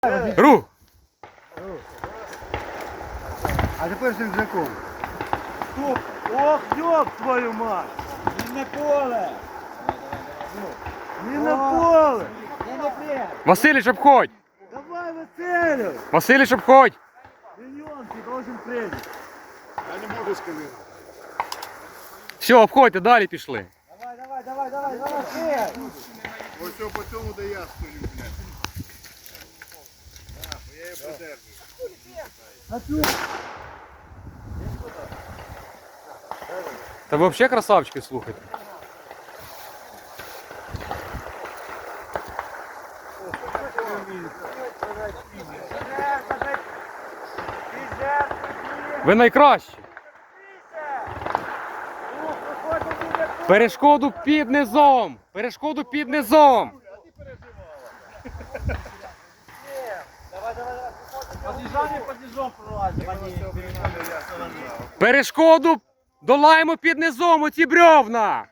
Рух! А тепер з рюкзаком. Стоп! Ох, ёб твою мать! Не на поле! Не на поле! Василич, обходь! Давай, Василю! Василич, обходь! Миллион ты должен принять. Я не можу сказати. Все, обходьте, далі пішли. Давай, Ось цього по цьому, де я стою, блядь. Бо я її подержую. Та ви взагалі красавчики, слухайте. Ви найкращі. Перешкоду під низом. Перешкоду під низом. Подъезжаем пролазим. Перешкоду долаємо під низом, оці брьовна.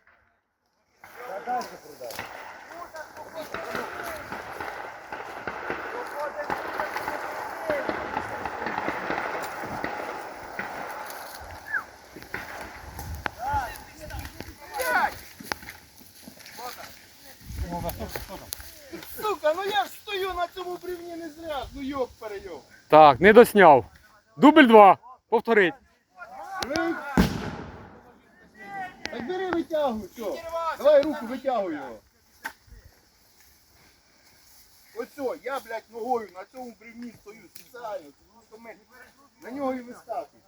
Сука, ну я ж стою на цьому бревні не зря, ну йоп перейоп. Так, не досняв. Дубль 2. Повторить. Так бери, витягуй, що? Давай руку, витягуй його. Оцьо, я, блядь, ногою на цьому бревні стою спеціально, тому що ми на нього і вискакуємо.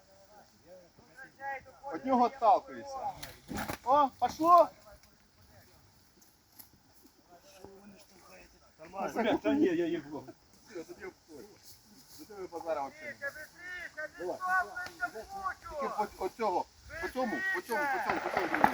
От нього отталкуєшся. О, пошло? Да не, я ебу. Все, тоді обходь. До тебе базара взагалі. Давай. Тільки по цьому, по цьому.